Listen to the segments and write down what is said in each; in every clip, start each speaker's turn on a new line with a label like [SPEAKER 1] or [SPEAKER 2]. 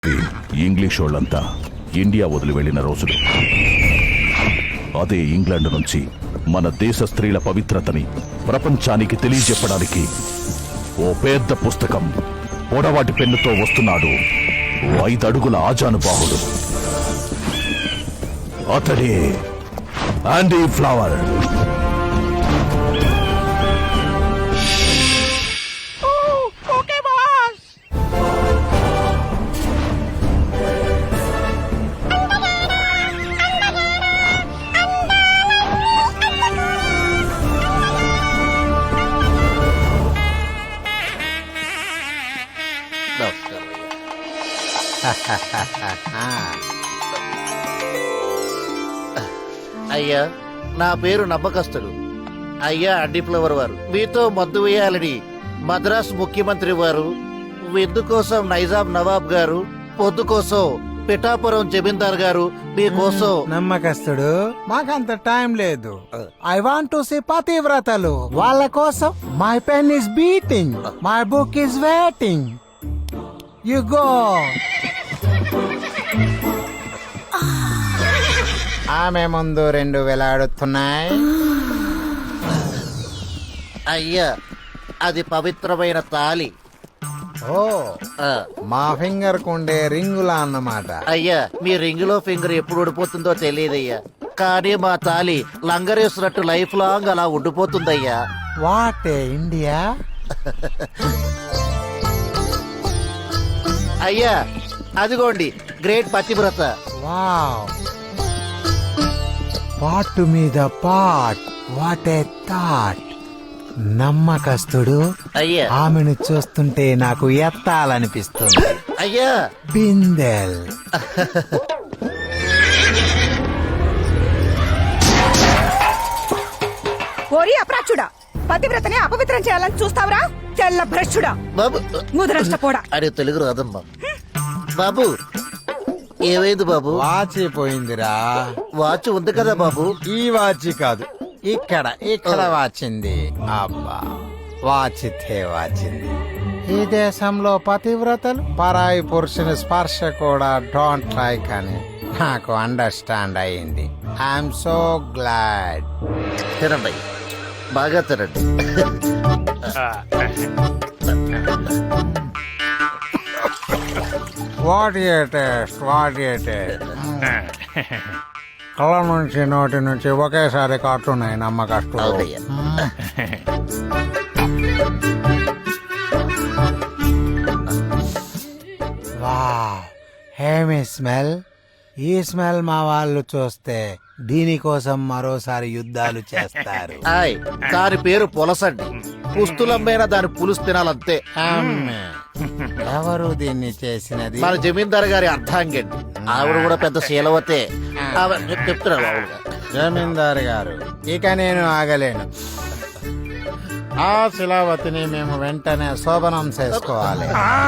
[SPEAKER 1] English వాళ్ళంతా India వదిలి వెళ్లిన రోజులు. అదే ఇంగ్లాండ్ నుంచి మన దేశ స్త్రీల పవిత్రతని ప్రపంచానికి తెలియజెప్పడానికి ఓ పెద్ద పుస్తకం పొడవాటి పెన్నుతో వస్తున్నాడు. 5 అడుగుల ఆజానుబాహుడు. అతడే ఆండీ ఫ్లవర్.
[SPEAKER 2] అయ్యా, నా పేరు నమ్మకస్తుడు. అయ్యా అండి ఫ్లవర్ వారు మీతో మద్దు వేయాలని మద్రాస్ ముఖ్యమంత్రి వారు, విందు కోసం నైజాం నవాబ్ గారు, పొద్దు కోసం పిఠాపురం జమీందార్ గారు మీకోసం.
[SPEAKER 3] నమ్మకస్తుడు, మాకంత టైం లేదు. ఐ వాంట్ టు సీ పతివ్రతలు. వాళ్ళ కోసం my pen is beating, my book is waiting. You go. ఆమె ముందు 2 వేలాడుతున్నాయి.
[SPEAKER 2] అయ్యా, అది పవిత్రమైన తాలి.
[SPEAKER 3] ఓ, మా ఫింగర్ కుండే రింగులా అన్నమాట.
[SPEAKER 2] అయ్యా, మీ రింగులో ఫింగర్ ఎప్పుడు ఉడిపోతుందో తెలియదయ్యా, కానీ మా తాలి లంగరేసినట్టు లైఫ్ లాంగ్ అలా ఉండిపోతుందయ్యా.
[SPEAKER 3] What India.
[SPEAKER 2] అయ్యా, అదిగోండి గ్రేట్ పతివ్రత.
[SPEAKER 3] వావ్, పాటు మీద పాట్. What a thought. నమ్మకస్తుడు,
[SPEAKER 2] అయ్యా
[SPEAKER 3] ఆమెను చూస్తుంటే నాకు ఎత్తాలనిపిస్తుంది.
[SPEAKER 2] అయ్యా
[SPEAKER 3] బిందెల్.
[SPEAKER 4] ఓరి అప్రాచుడా, పతివ్రతని అపవిత్రం చేయాలని చూస్తావరా? తెల్ల భ్రష్టుడా,
[SPEAKER 2] బాబు.
[SPEAKER 4] ముదరష్టపోడా.
[SPEAKER 2] అరే తెలుగు రాదమ్మా. బాబు, ఏమైంది బాబు?
[SPEAKER 3] వాచి పోయిందిరా.
[SPEAKER 2] వాచ్ ఉంది కదా బాబు.
[SPEAKER 3] ఈ వాచి కాదు, ఇక్కడ వాచింది. అబ్బా, వాచితే వాచింది. ఈ దేశంలో పతివ్రతలు పరాయి పురుషుని స్పర్శ కూడా డోంట్ లైక్ అని నాకు అండర్స్టాండ్ అయింది. I'm so glad.
[SPEAKER 2] తినండి, బాగా తినండి.
[SPEAKER 3] What a taste, what a taste. కళ్ళ నుంచి నోటి నుంచి ఒకేసారి కాటున్నాయి నమ్మకస్తులు.
[SPEAKER 2] అవునయ్యా.
[SPEAKER 3] వావ్, హేమి స్మెల్. ఈ స్మెల్ మా వాళ్ళు చూస్తే దీనికోసం మరోసారి యుద్ధాలు చేస్తారు.
[SPEAKER 2] ఆయ్, దాని పేరు పులసండి. పుస్తులమ్మైనా దాని పులుసు తినాలంతే.
[SPEAKER 3] అమ్మే. ఎవరు దీన్ని చేసినది?
[SPEAKER 2] మన జమీందార్ గారి అర్థాంగండి. ఆవిడ కూడా పెద్ద శీలవతే. చెప్తున్నారు ఆవిడ.
[SPEAKER 3] జమీందారు గారు, ఇక నేను ఆగలేను. ఆ శిలావతిని మేము వెంటనే శోభనం చేసుకోవాలి.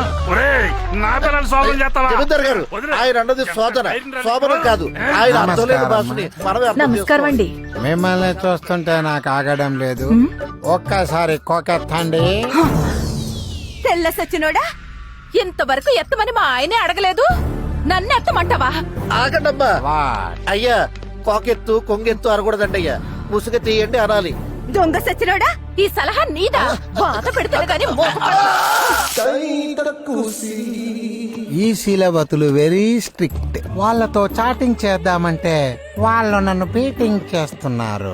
[SPEAKER 2] జమీందార్ గారు, ఆయన అన్నది శోధన, శోభనం కాదు. ఆయన అర్థం లేని భాషని మనమే అర్థం
[SPEAKER 4] నమస్కారం అండి.
[SPEAKER 3] మిమ్మల్ని చూస్తుంటే నాకు ఆగడం లేదు. ఒక్కసారి కోకెత్తండి.
[SPEAKER 4] తెల్ల సచ్చినోడా, ఇంతవరకు ఎత్తమని మా ఆయనే అడగలేదు, నన్ను ఎత్తమంటావా?
[SPEAKER 2] ఆగండమ్మా.
[SPEAKER 3] వాట్?
[SPEAKER 2] అయ్యా, కోకెత్తు కొంగెత్తు అనకూడదండి అయ్యా. ముసుగ తీయండి అనాలి.
[SPEAKER 4] దొంగ సచ్చినోడా, ఈ సలహా నీదా? బాధ పెడుతుంది కానీ
[SPEAKER 3] ఈ శీలవతులు వెరీ స్ట్రిక్ట్. వాళ్ళతో చాటింగ్ చేద్దామంటే వాళ్ళు నన్ను బీటింగ్ చేస్తున్నారు.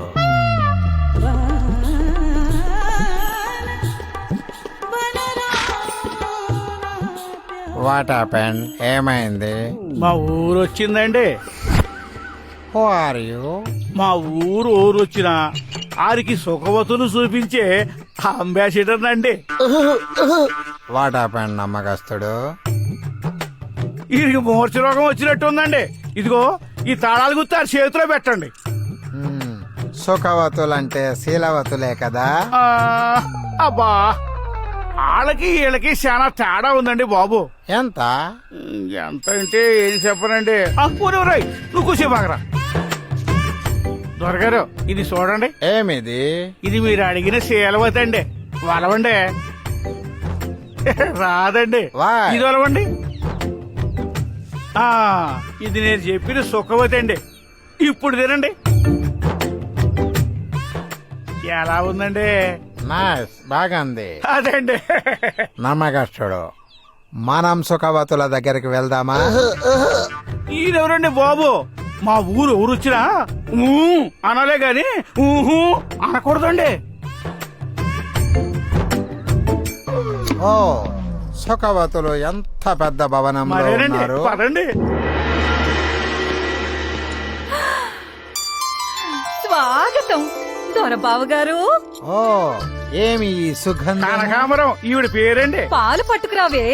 [SPEAKER 3] What happened? ఏమైంది?
[SPEAKER 5] మా ఊరు వచ్చిందండి.
[SPEAKER 3] Who are you?
[SPEAKER 5] మా ఊరు వచ్చిన ఆరికి సుఖవతులు చూపించే అంబాసిడర్ అండి.
[SPEAKER 3] వాట్ హ్యాపెండ్ నమ్మకస్తుడు?
[SPEAKER 5] వీరికి మూర్ఛ రోగం వచ్చినట్టు ఉందండి. ఇదిగో ఈ తాళాలు గుర్తు ఆ చేతిలో పెట్టండి.
[SPEAKER 3] సుఖవతులంటే శీలవతులే కదా?
[SPEAKER 5] అబ్బా, వాళ్ళకి వీళ్ళకి చాలా తేడా ఉందండి బాబు.
[SPEAKER 3] ఎంత?
[SPEAKER 5] ఎంత అంటే ఏది చెప్పనండి. పూర్వరాయ్, నువ్వు కూర్చోబాగరా. దొరగారు, ఇది చూడండి.
[SPEAKER 3] ఏమిది?
[SPEAKER 5] ఇది మీరు అడిగిన శీలవతి అండి. వలవండి. రాదండి.
[SPEAKER 3] Why?
[SPEAKER 5] ఇది వలవండి. ఆ, ఇది నేను చెప్పిన సుఖవతి అండి. ఇప్పుడు తినండి. ఎలా ఉందండి?
[SPEAKER 3] నైస్, బాగుంది.
[SPEAKER 5] అదండి.
[SPEAKER 3] నమ్మకస్తుడు. మనం సుఖవతుల దగ్గరికి వెళ్దామా?
[SPEAKER 5] ఈయనెవరండి బాబు? మా ఊరు ఎవరు వచ్చినా ఊ అనాలే గాని ఊహు అనకూడదండి.
[SPEAKER 3] ఓ, సుఖవతులు ఎంత పెద్ద భవనంలో
[SPEAKER 5] మరేనండి,
[SPEAKER 3] ఉన్నారు.
[SPEAKER 5] పదండి.
[SPEAKER 4] స్వాగతం దొరబాబు గారు.
[SPEAKER 3] ఓ, ఏమి ఈ సుగంధం?
[SPEAKER 5] కనకాంబరం ఈవిడ పేరండి.
[SPEAKER 4] పాలు పట్టుకురావే.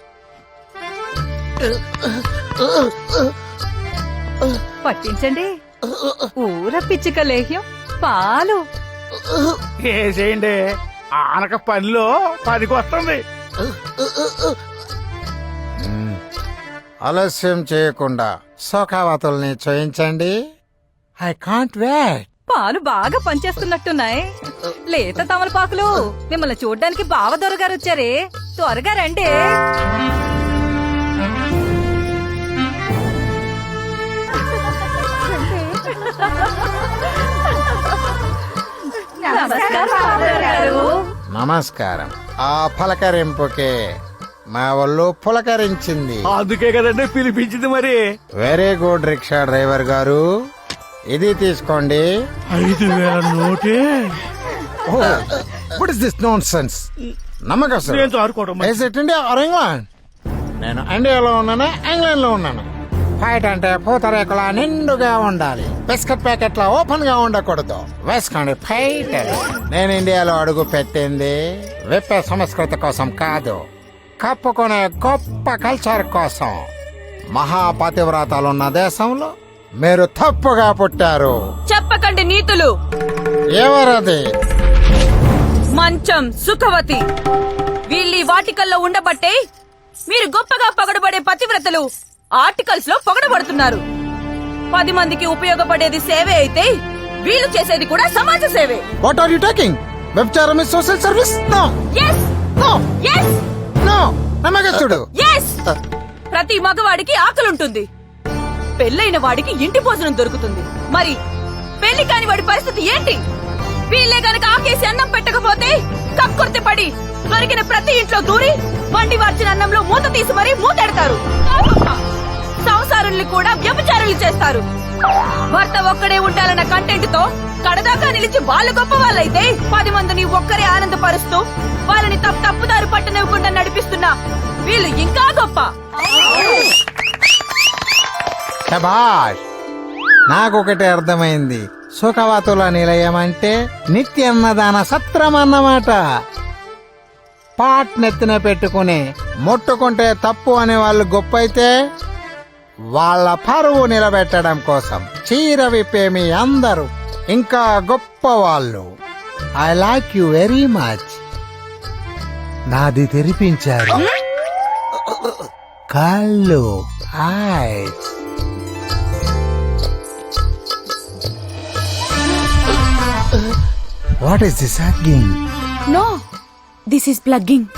[SPEAKER 4] పట్టించండి. ఊర పిచ్చిక లేహ్యం పాలు.
[SPEAKER 5] వేసేయండి. ఆనక పనిలో పనికి వస్తుంది.
[SPEAKER 3] ఆలస్యం చేయకుండా సుఖవతుల్ని చూయించండి. I can't wait.
[SPEAKER 4] పాలు బాగా పనిచేస్తున్నట్టున్నాయి. లేత తమలపాకులు. మిమ్మల్ని చూడ్డానికి బావ దొరగారు వచ్చారే, త్వరగా రండి. నమస్కారం బావగారు.
[SPEAKER 3] నమస్కారం. ఆ పలకరింపుకే మా ఒళ్ళు పులకరించింది.
[SPEAKER 5] అందుకే కదండి పిలిపించింది. మరి
[SPEAKER 3] వెరీ గుడ్ రిక్షా డ్రైవర్ గారు, ఇది తీసుకోండి.
[SPEAKER 5] 5,000 నోటే.
[SPEAKER 3] What is this nonsense? నమ్మకం
[SPEAKER 5] నేను చారుకోవడం మరి.
[SPEAKER 3] India or England? నేను ఇండియాలో ఉన్నాను, ఇంగ్లాండ్ లో ఉన్నాను. ఫైట్ అంటే పూతరేకుల నిండుగా ఉండాలి, బిస్కెట్ ప్యాకెట్ల ఓపెన్ గా ఉండకూడదు. వేసుకోండి ఫైట్. నేను ఇండియాలో అడుగు పెట్టింది విప్పే సంస్కృతి కోసం కాదు, కప్పుకునే గొప్ప కల్చర్ కోసం. మహాపతివ్రతాలున్న దేశంలో మీరు తప్పుగా పుట్టారు.
[SPEAKER 6] చెప్పకండి నీతులు.
[SPEAKER 3] ఎవరది?
[SPEAKER 6] మంచం సుఖవతి. వీళ్ళీ వాటికల్లో ఉండబట్టే మీరు గొప్పగా పొగడబడే పతివ్రతలు ఆర్టికల్స్ లో పొగడబడుతున్నారు. 10 మందికి ఉపయోగపడేది సేవే అయితే వీళ్ళు చేసేది కూడా సమాజ సేవే.
[SPEAKER 3] What are you talking? వ్యభిచారం is social service? No
[SPEAKER 6] yes
[SPEAKER 3] no
[SPEAKER 6] yes
[SPEAKER 3] no. నమ్మకస్తుడు.
[SPEAKER 6] ఎస్. ప్రతి మగవాడికి ఆకలుంటుంది, పెళ్ళైన వాడికి ఇంటి భోజనం దొరుకుతుంది. మరి పెళ్లి కాని వాడి పరిస్థితి ఏంటి? వీళ్ళే గనక ఆకేసి అన్నం పెట్టకపోతే కక్కుర్తి పడి దొరికిన ప్రతి ఇంట్లో దూరి వండి వార్చిన అన్నంలో మూత తీసి మరీ మూతెడతారు. సంసారుల్ని కూడా వ్యభిచారులు చేస్తారు. భర్త ఒక్కడే ఉండాలన్న కంటెంట్ తో కడదాకా నిలిచి వాళ్ళు గొప్ప వాళ్ళైతే 10 మందిని ఒక్కరే ఆనందపరుస్తూ వాళ్ళని తప్పుదారి పట్టనివ్వకుండా నడిపిస్తున్నా వీళ్ళు ఇంకా గొప్ప.
[SPEAKER 3] శభాష్. నాకొకటి అర్థమైంది. సుఖవతుల నిలయం అంటే నిత్యన్నదాన సత్రం అన్నమాట. పాట్ నెత్తిన పెట్టుకుని ముట్టుకుంటే తప్పు అనే వాళ్ళు గొప్ప అయితే, వాళ్ళ పరువు నిలబెట్టడం కోసం చీర విప్పే మీ అందరూ ఇంకా గొప్ప వాళ్ళు. I like you very much. నాది తెరిపించారు కళ్ళు, eyes. What is this hugging?
[SPEAKER 6] No, this is plugging.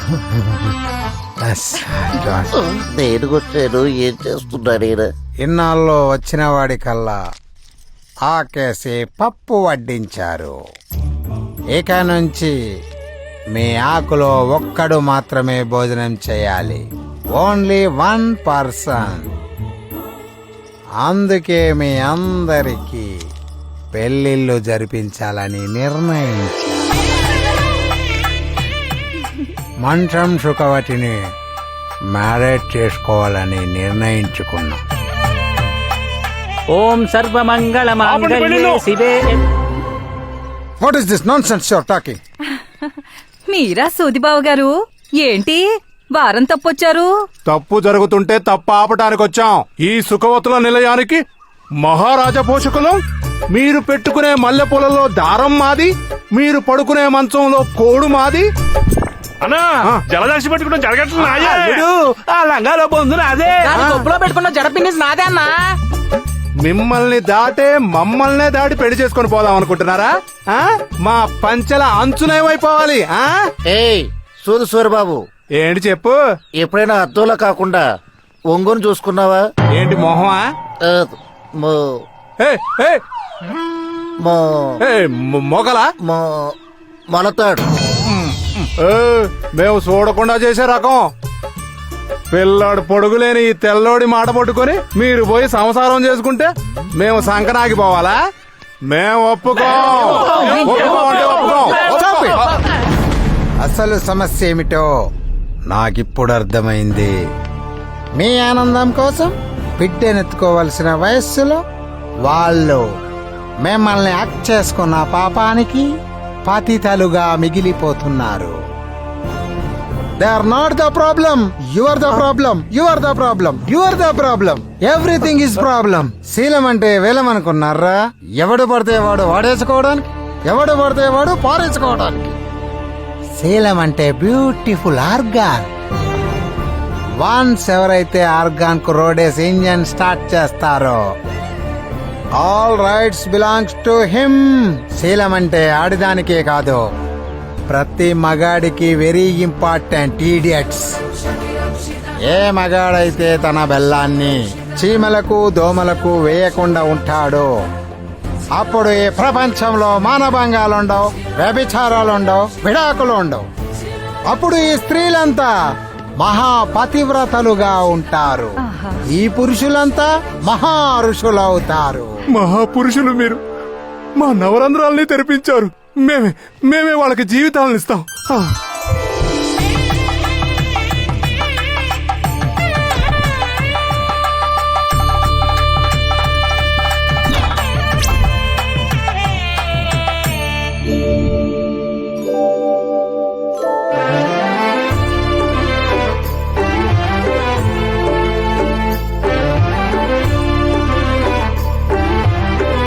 [SPEAKER 2] నేను వచ్చాను, ఏం చేస్తున్నాడు?
[SPEAKER 3] ఇన్నాళ్ళు వచ్చిన వాడికల్లా ఆకేసి పప్పు వడ్డించారు. ఇక నుంచి మీ ఆకులో ఒక్కడు మాత్రమే భోజనం చేయాలి. Only 1 person. అందుకే మీ అందరికీ పెళ్లిళ్ళు జరిపించాలని నిర్ణయించారు. మంచం సుఖవతిని మ్యారేజ్ చేసుకోవాలని నిర్ణయించుకున్నాం.
[SPEAKER 7] ఓం సర్వమంగళ మాంగళ్యే శివే.
[SPEAKER 3] What is this nonsense your talking?
[SPEAKER 4] మీరా సూదిబాబు గారు, ఏంటి వారం తప్పొచ్చారు?
[SPEAKER 8] తప్పు జరుగుతుంటే తప్పు ఆపటానికి వచ్చాం. ఈ సుఖవతుల నిలయానికి మహారాజా పోషకులం. మీరు పెట్టుకునే మల్లెపూలలో దారం మాది, మీరు పడుకునే మంచంలో కోడు మాది.
[SPEAKER 5] అన్నా జలదాసి పెట్టుకుంటాం జరగట్లేదు. ఆ లంగాలో పొందున అదే
[SPEAKER 7] గొప్పలో పెట్టుకున్న జడపిన్ని నాదే అన్నా.
[SPEAKER 8] మిమ్మల్ని దాటే మమ్మల్నే దాటి పెళ్లి చేసుకొని పోదాం అనుకుంటున్నారా? మా పంచెల అంచునేమైపోవాలి?
[SPEAKER 2] ఏయ్ సూరు సూరిబాబు,
[SPEAKER 8] ఏంటి చెప్పు.
[SPEAKER 2] ఎప్పుడైనా అద్దంలో కాకుండా ఒంగోని చూసుకున్నావా?
[SPEAKER 8] ఏంటి మొహమా?
[SPEAKER 2] ఆ, మో
[SPEAKER 8] ఏ, ఏ,
[SPEAKER 2] మో
[SPEAKER 8] ఏ, మొగలా?
[SPEAKER 2] మో మొలతాడు.
[SPEAKER 8] ఏ, మేము చూడకుండా చేసే రకం. పిల్లాడు పొడుగులేని ఈ తెల్లోడి మాట పట్టుకొని మీరు పోయి సంసారం చేసుకుంటే మేము సంకనాగిపోవాలా? మేము ఒప్పుకోం. ఒప్పుకోమంటే ఒప్పుకోం.
[SPEAKER 3] Stop it. అసలు సమస్య ఏమిటో నాకిప్పుడు అర్థమైంది. మీ ఆనందం కోసం బిడ్డనెత్తుకోవలసిన వయస్సులో వాళ్ళు మిమ్మల్ని యాక్ట్ చేసుకున్న పాపానికి పతితలుగా మిగిలిపోతున్నారు. They are not the problem. You are the problem. You are the problem. You are the problem. Everything is problem. శీలం అంటే వేలం అనుకున్నారా? ఎవడు పడితే వాడు వాడేసుకోవడానికి, ఎవడు పడితే వాడు పారేసుకోవడానికి. శీలం అంటే బ్యూటిఫుల్ ఆర్గాన్. వన్స్ ఎవరైతే ఆర్గాన్ కు రోడేసి ఇంజన్ స్టార్ట్ చేస్తారో all rights belongs to him. శీలం అంటే ఆడిదానికే కాదు, ప్రతి మగాడికి వెరీ ఇంపార్టెంట్. ఈడియట్స్. ఏ మగాడైతే తన బెల్లాన్ని చీమలకు దోమలకు వేయకుండా ఉంటాడో అప్పుడు ఈ ప్రపంచంలో మానభంగాలుండవు, వ్యభిచారాలుండవు, విడాకులు ఉండవు. అప్పుడు ఈ స్త్రీలంతా మహాపతివ్రతలుగా ఉంటారు. ఈ పురుషులంతా మహా ఋషులవుతారు.
[SPEAKER 8] మహాపురుషులు మీరు. మా నవరంధ్రాల్ని తెరిపించారు. మేమే వాళ్ళకి జీవితాలను ఇస్తాం.